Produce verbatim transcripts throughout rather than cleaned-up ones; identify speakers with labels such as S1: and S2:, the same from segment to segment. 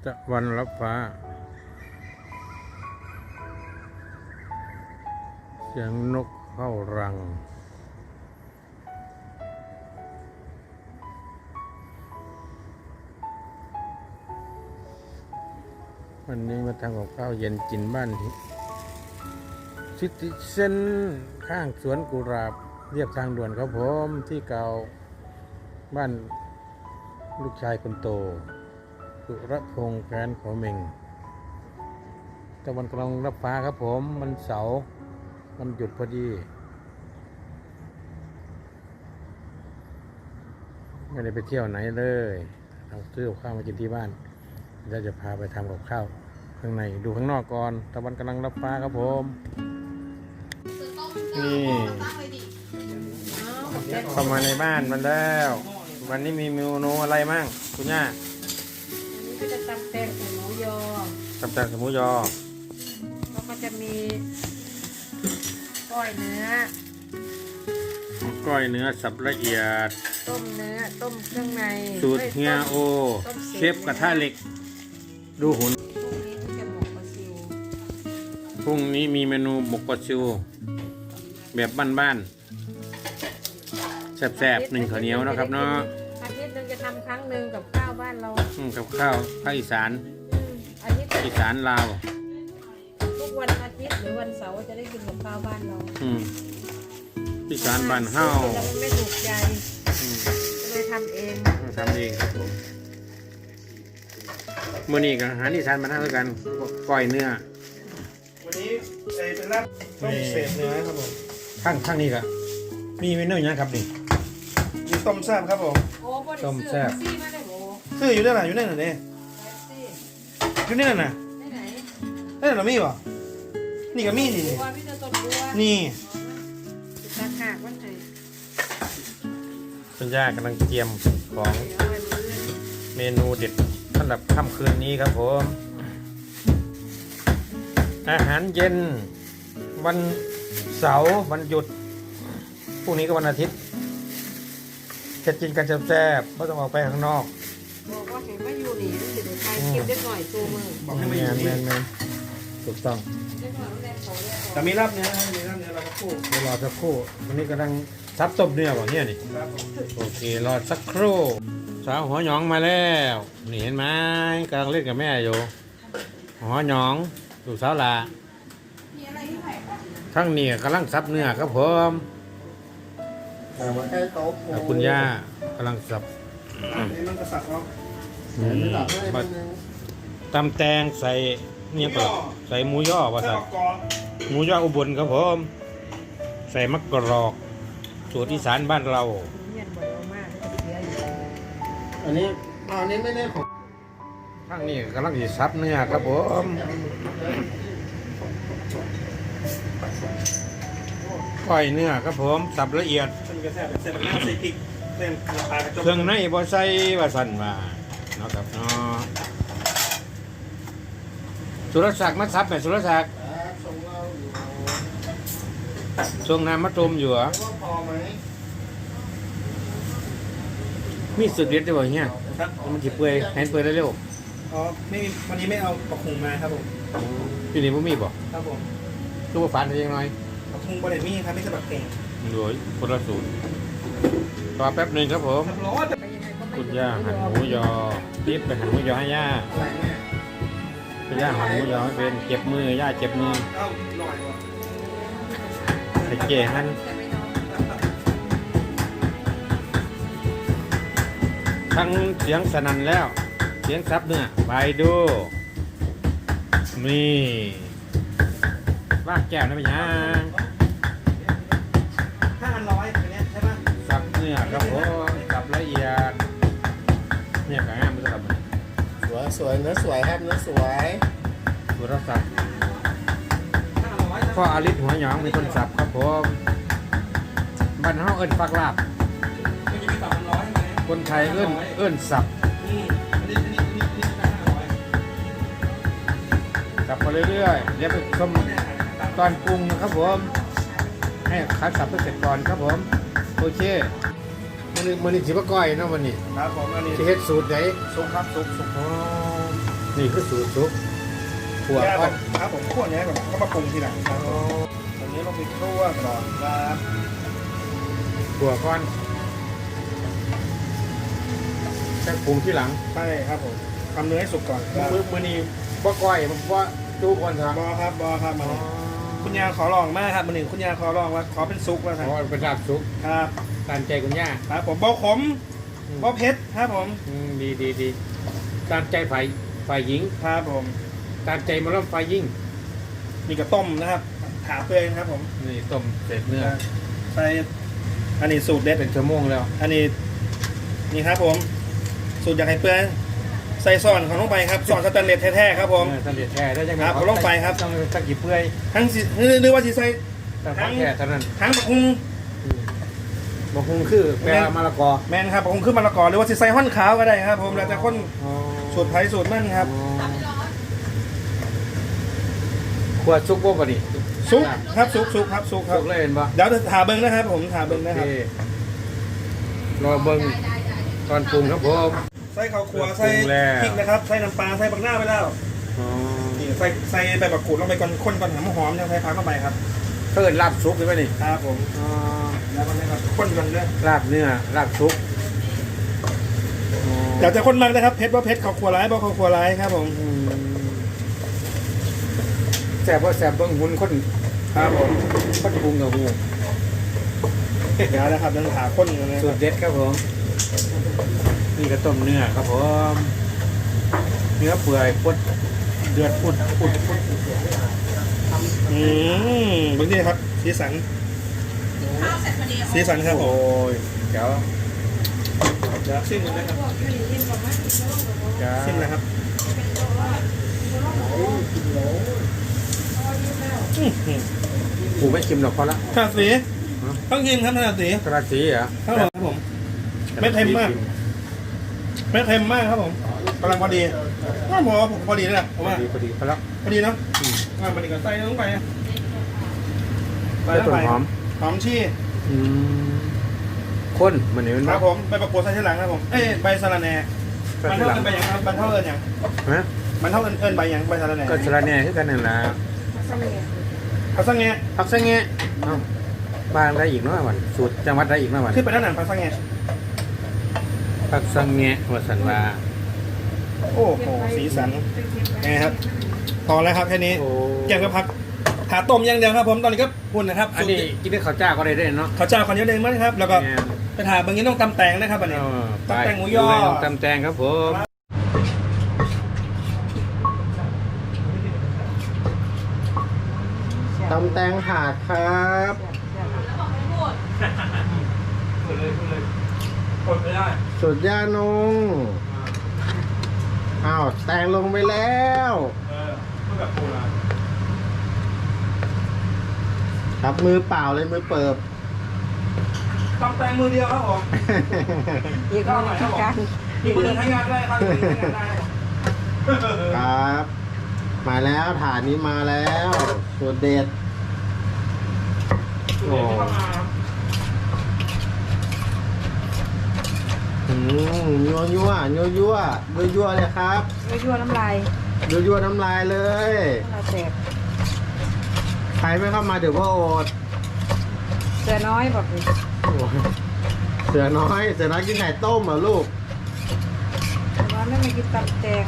S1: ตะวันรับฟ้าเสียงนกเข้ารังวันนี้มาทำกับข้าวเย็นกินบ้านที่ซิติเซนข้างสวนกุหลาบเรียบทางด่วนครับผมที่เก่าบ้านลูกชายคนโตสุรพงษ์แฟนของเมงตะวันกำลังรับฟ้าครับผมมันเสาร์มันหยุดพอดีไม่ได้ไปเที่ยวไหนเลยเราซื้อข้าวมากินที่บ้านเราจะพาไปทำกับข้าวข้างในดูข้างนอกก่อนตะวันกำลังรับฟ้าครับผมนี่เข้ามาในบ้านมันแล้ววันนี้มีเมนูอะไรมั่งคุณย่า
S2: อันนี้ก็จะตำแตงใส่หมูยอ
S1: ตำแตงใส่หมูยอ
S2: แล้วก็จะมีก้อยเนื้อ
S1: ก้อยเนื้อสับละเอียด
S2: ต้มเนื้อต้มเครื่องใน
S1: สูตรเฮียโอเชฟกระทะเหล็กดูหุ่นพรุ่งนี้มีเมนูหมกปลาซิวแบบบ้านๆแซ่บๆหนึ่งข้าวเหนียวนะครับเนาะ
S2: อาทิตย์นึงจะทำครั้งหนึ่งกับข้าวบ้านเรา
S1: กับข้าวภาคอีสาน
S2: อาทิตย์
S1: อีสานลาว
S2: ทุกวันอาทิตย์หรือวันเสาร์จะได้กินกับข้าวบ้านเรา
S1: อีสานบ้านเฮา
S2: แล้วมันไม่ถูกใจก็เลยทำเอง
S1: ทำเองครับผมมื้อนี้ก็อาหารอีสานบ้านเฮาด้วยกันก้อยเนื้อ
S3: วันนี้เป็นลาบต้มเศษเนื้อครับผม
S1: ข้างข้างนี้ก็มีเมนูอย่างครับนี่
S3: มีต้มแซ่บครับผม
S1: ต้มแซ่บ
S3: ซื้ออยู่ได้ไหนอยู่ได้ไหนเนี่ยอยู่ได้ไหนน่ะได้ไหนเรามีป่ะนี่ก็มีนี่นี่
S1: คุณย่ากำลังเตรียมของเมนูเด็ดสำหรับค่ำคืนนี้ครับผมอาหารเย็นวันเสาร์วันหยุดพรุ่งนี้ก็วันอาทิตย์จะกินกันแซ่บๆไม่ต้องออกไปข้างนอก
S2: บอกว่าเห็นว่าอยู่นี่รู้สึกใครกินได้หน่อยตัวมือ
S3: บอกให้ไม่อยู่
S1: นี่แมนถูกต้อง
S3: แต่มีลาบเนื้อมีลาบเนื้อเราสักครู่
S1: เดี๋ยวรอสักครู่วันนี้กำลังซับต้มเนื้อแบบนี้นี่โอเครอสักครู่สาวหัวหยองมาแล้วนี่เห็นไหมกำลังเล่นกับแม่อยู่หัวหยองลูกสาวหล่ะทั้งนี้กำลังซับเนื้อครับผมคุณย่ากำลังสับ
S3: มันกระสับเนาะ
S1: ตำแตงใส่เนี่ยก็ใส่หมูย่อว่าใส่หมูย่ออุบลครับผมใส่มะกรอกสูตรอีสานบ้านเรา
S3: อันนี้อันนี้ไม่แน่ผม
S1: ทั้งนี้กำลังจะซับเนื้อครับผมก้อยเนื้อครับผมสับละเอียดเครื่องในบ่ใส่ว่าสั่นมาเนาะครับเนาะสุรศักดิ์มาซับไหมสุรศักดิ์ทรงน้ำมะตูมอยู่เหรอมีสุดเด็ดจะบอกเงี้ยมันจีเปื่อยแห้งเปื่อยได้เร็ว
S3: อ๋อไม่มีวันนี้ไม่เอาปลาคุงมาครับผม
S1: พี่นี่พ่มีบ่
S3: ครับผม
S1: ตัวฝันยังไง
S3: ปลาคุงบริเวณมีครับไม่ใช่ปลาเก่ง
S1: โดยคนละสูตรรอแป๊บหนึ่งครับผมคุณย่าหั่นหมูยอรีบไปหั่นหมูยอให้ย่าคุณย่าหั่นหมูยอให้เป็นเจ็บมือย่าเจ็บมือไปเก๋หั่นทั้งเสียงสนั่นแล้วเสียงซับเนื้อไปดูนี่ว่าแก้วนะพี่ย่า
S3: ห้าพันร้อยตัวนี้ใช่ไหม
S1: ซับเนื้อครับผมซับละเอียดเนี่ยกระห้ามจะทำ
S3: สวยสวยเนื้อสวยครับเนื้อสวย
S1: ดูรับสับพ่ออาลิศหัวหยองมีคนสับครับผมบ้านเฮาเอิ้นฟักลาบคนไทยเอิ้นเอิ้นสับสับไปเรื่อยๆเดี๋ยวไปชมตอนปรุงนะครับผมให้คัดสับไปเสร็จก่อนครับผมโอเคมันมันนี่สิบก้อยนะวันนี้
S3: ครับผมอันนี้
S1: จะเฮ็ดสูตรไหน
S3: สุกครับสุกสุก
S1: อ๋อนี่คือสูตรซุปขัว
S3: แยก
S1: ก่
S3: ก่
S1: อ
S3: อน นครับผมคั่วเนี้ยก่อนก็มาปรุงทีหลังครับตรงนี้ลงไปคั่วก่อนครับ
S1: ขัวก่อนแค่ปรุงที่หลัง
S3: ใช่ครับผมทำเนื้อให้สุกก่อนครับ
S1: มือมือนี้บ่ก้อยบ่ว่าจูก่อนครับ
S3: บอครับบอครับมาเลยคุณยาขอลองมากครับมาหนึ่งคุณยาขอลองว่าขอเป็นซุกแล้วครับ
S1: อ๋อเป็นลาบซุป
S3: ครับ
S1: ตามใจคุณย่า
S3: ครับผมบอขมบอเผ็ดครับผม
S1: อืมดีดีดีตามใจฝ่ายฝ่ายหญิง
S3: ครับผม
S1: ตามใจหมาล่ำฝ่ายยิ่ง
S3: มีกระต้มนะครับถาเปื่อยนะครับผม
S1: นี่ต้มเสร็จเนื้อ
S3: ใส่อันนี้สูตรเด็ด
S1: เป็นชั่วโมงแล้ว
S3: อันนี้นี่ครับผมสูตรอยากให้เปื่อยใส่ซ่อนของลงไปครับซ่อนสแตนเลสแท้ๆครับผม
S1: เออสำเร็จแท้ได้ยังไง
S3: ครับผมลงไปครับ
S1: ต้องตะกี้เปื่อย
S3: ทั้งสิหรือว่าสิใส่
S1: แต่ของแท้เท่านั้น
S3: ทั้งบักฮุง
S1: อืมบางคงคือแปลว่ามะละกอ
S3: แมนครับบักฮุงขึ้นมะละกอหรือว่าสิใส่ห้อนขาวก็ได้ครับผมแล้วแต่คน
S1: อ๋อ
S3: สูตรไผ่สูตรมั่นครับ
S1: อ๋อขวดซุปบ่บ่นี่
S3: ซุกครับซุกซุกครับซุกครับ
S1: ซุปเลยเห็นปะ
S3: เดี๋ยวถาเบิ้งนะครับผมถาเบิ้ง
S1: โอ
S3: นะ
S1: เค
S3: ครับ
S1: รอเบิ่งตอนปรุงครับผม
S3: ใส่ข้าวคั่ว
S1: ปรุง
S3: ใส่
S1: แล้ว
S3: พริกนะครับใส่น้ำปลาใส่บักหน้าไปแล้ว
S1: อ๋อ
S3: นี่ใส่ใส่ใบมะกรูดลงไปก่อนคนก่อนหอมหอมยังใส่ผักเข้าไปครับ
S1: เพิ่นลาบซุปใช่ไหมนี่
S3: ครับผม
S1: อ๋อ
S3: แล้วก็นะครับคนก่อนเลย
S1: ลาบเนื้อลาบซุปอ๋อ
S3: เดี๋ยวจะคนมากนะครับเพชรว่าเพชรข้าวคั่วร้ายบ่ข้าวคั่วร้ายครับผม
S1: อืมแซ่บว่าแซ่บเบิ่งหุ่นคน
S3: ครับผม
S1: คนปรุงกับหู
S3: เดี๋ยวนะครับเดินถาคนกันเลย
S1: สูตรเด็ดครับผมนี่ก็ต้มเนื้อครับผมเนื้อเปื่อยปุดเดือดปุดปุดปุด
S3: อืมเบิ้งนี่ครับสีสันสีสันครับผ
S1: โอ้
S3: ม
S1: ยเจ๋ว
S3: เดี๋ยวซิมเลยนะครับ
S1: เจ๋ว
S3: ซิมนะครับอื้อหือ
S1: กูไม่ชิมหรอกพอละ
S3: ถนัดสีต้องกินครับถนัดสี
S1: กระสีเหรอ
S3: ครับผมครับผม ไม่เค็มมาก ไม่เค็มมากครับผมกำลังพอดีว่าผมว่าผมพอดีแล้วแหละ
S1: พ
S3: ผ
S1: อ
S3: มว่า
S1: ดีพอดีพอละ
S3: พอดีเนาะ
S1: อืม
S3: อ่ามันอีกก็ใส่ลงไปใส่
S1: แล้ว
S3: ลง
S1: ต้น
S3: ไป
S1: หอม
S3: หอมชี่
S1: อืมข้นมันนี่มัน
S3: ครับผมใบประกวดใส่ทีหลังครับผมเอ้ยใบสะระแหน่
S1: ก็
S3: มัน
S1: ทีห
S3: เท่า
S1: ลัง
S3: เอินใบหยังครับมันเท่าเอินหยัง
S1: ฮะ
S3: มันเท่าเอินเอินใบหยังใบสะระแหน่
S1: ก็สลัดแหน่คือกันนั่นแหละ
S3: พักสังเงะ
S1: พักซะแงะเอ้าบ้านได้อีกเนาะวันสูตรจังหวัดได้อีกเนาะวัน
S3: ขึ้นไปด้านหลังพักสังเงะ
S1: พักซะแงะว่าสันว่า
S3: โอ้โหสีสันไงครับพอแล้วครับแค่นี้
S1: โอ้
S3: แกงก็พักหาต้มอย่างเดียวครับผมตอนนี้ก็พุ่นนะครับ
S1: อันนี้กินด้วยข้าวเจ้าก็ได้ด้วยเนาะ
S3: ข้าวเจ้าข้าวเหนียวแดงมั้งครับแล้วก็
S1: แม่น
S3: ไปถาบางอย่างต้องตำแตงนะครับอันนี้
S1: เออไป
S3: ตำแตงหมูยอ
S1: ดูเลยตำแตงครับผมตำแตงถาดครับ
S3: พูดเลยพูดเลยกดไม่ได้
S1: สุดยานงอ้าวแตงลงไปแล้ว
S3: เออพูดแบบพูดละ
S1: ครับมือเปล่าเลยมือเปิบ
S3: ตำแตงมือเดียวครับผม
S2: อีกคนหนึ่งที่การ
S3: อีกมือหนึ่งใช้งานได้ครับอีกมือหนึ่งใช้งานได้ครับ
S1: ครับ มาแล้วฐานนี้มาแล้วสุดเด็ด
S3: โอ้ที่เข้ามาครับ
S1: อืมยัวยัวยัวยัวยัวยัวเลยครับ
S2: ไม่ยั่วน้ำลาย
S1: ยัวยัวน้ำลายเลย
S2: น้ำลายแตก
S1: ใครไม่เข้ามาเดี๋ยวก็อด
S2: เสือน้อยบอกเลย
S1: โอ้ยเสือน้อยเสือน้อยกินไข่ต้มเหรอลูก
S2: แต่ว่าไม่มากินตำแตง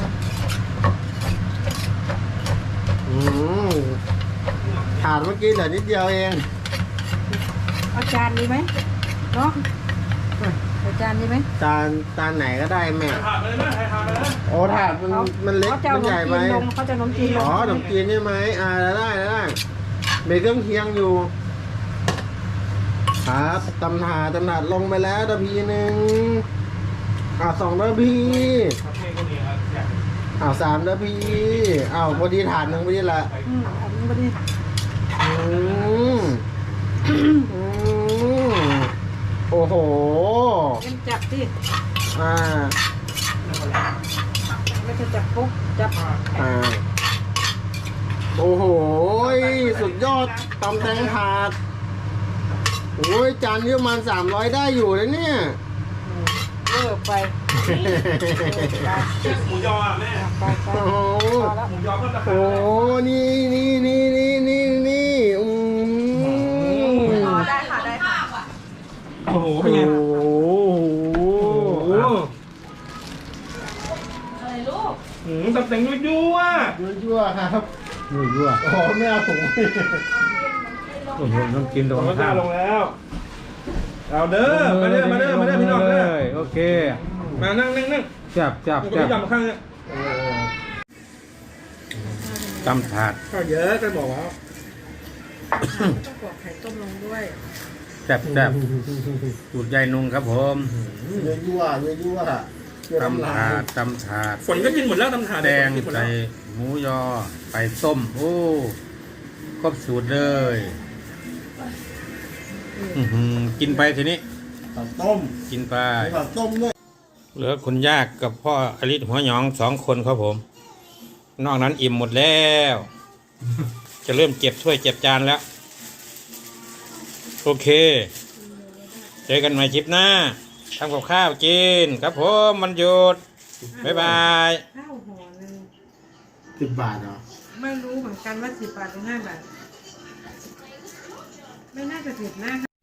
S1: อืมถาดเมื่อกี้เหลือนิดเดียวเอง
S2: เอาจานดีไหมเนาะเอาจานดีไหม
S1: จานจานไหนก็ได้แม่
S3: ถาดไปเลยนะถาดไปเลยนะ
S1: โอ้ถาดมันมันเล็ก
S2: เขาจะเอา
S1: มัน
S2: ข
S1: ใหญ่
S2: นม
S1: ไหม
S2: จีนลงเขาจะเอาขนมจีนลง
S1: อ๋อขนมจีนใช่ไหมอ่าได้ได้ได้เบเกอร์เคียงอยู่ ครับตำถาดตำถาดลงไปแล้วตะพีหนึ่งอ่าสองตะพี
S3: โอเคก็ดีครับอยาก
S1: อ่าสามตะพีอ้าวพอดีถาดหนึ่งพอดีละ
S2: อืมอันนี้พอดี
S1: อืมอืมโอ้โห
S2: เอ็มจับสิ
S1: อ่า
S2: ไม่จะจับปุ๊บจับ
S1: อ่าโอ้โหสุดยอดตำแตงถาดโอ้ยจานนี้ประมาณสามร้อยได้อยู่นะเนี่ย
S2: รเวอร์ไปไป
S3: หมูยออ่ะแม่
S2: ไปไป
S1: โอ้โห
S2: พอแล้ว
S3: หมูยอเพิ่มราคา
S1: โอ้นี่นี่นี่นี่นี่นี่อืม
S2: ได้ค่ะได้ค่ะ
S3: โอ้โหเป็นไง
S1: โอ้โห
S3: โอ้โห
S2: อะไรลูก
S3: อืมตับแต่งยั่วยั่ว
S1: ยั่วๆครับยั่วๆอ๋อไม่เอาถุงโอ้โหต้องกินตรง
S3: ลง
S1: ข้า
S3: แล้ว
S1: ม
S3: ลงแล้วเอาเด้อมาเด้อมาเด้อมาเด้อพี่น้องเด้อ
S1: โอเค
S3: มานั่งนั่งนั่ง
S1: จับจับ
S3: ผมก็
S1: จับ
S3: ไม่ยอมมาข้างเนี่ย
S1: ตำถาด
S3: ข้าวเยอะก็บอกว่า
S2: ต้องกรอกไข่ต้มลงด้วย
S1: จับจับสูตรยายนุ่งครับผม
S4: ยั่วยั่วยั่วยั่ว
S1: ตำถาดตำถาด
S3: ฝนก็กินหมดแล้วตำถาด
S1: แดง
S3: ฝนกินหมด
S1: ใส่
S3: แล้ว
S1: หมูยอไปต้ม โอ้ครบสูตรเลย อื้อหือกินไปทีนี้
S4: ผักต้ม
S1: กินไป
S4: ผักต้มด้วย
S1: เหลือคุณยากกับพ่ออลิศหัวหยองสองคนครับผม นอกนั้นอิ่มหมดแล้ว จะเริ่มเก็บถ้วยเก็บจานแล้ว โอเค เจอกันใหม่คลิปหน้าทำกับข้าวกินครับผมมันหยุด บ๊ายบาย
S2: ข้าวห่อหนึง
S4: สิบบาทเหรอ
S2: ไม่รู้เหมือนกันว่าสิบบาทหรือห้าบาท ไม่น่าจะผิดนะ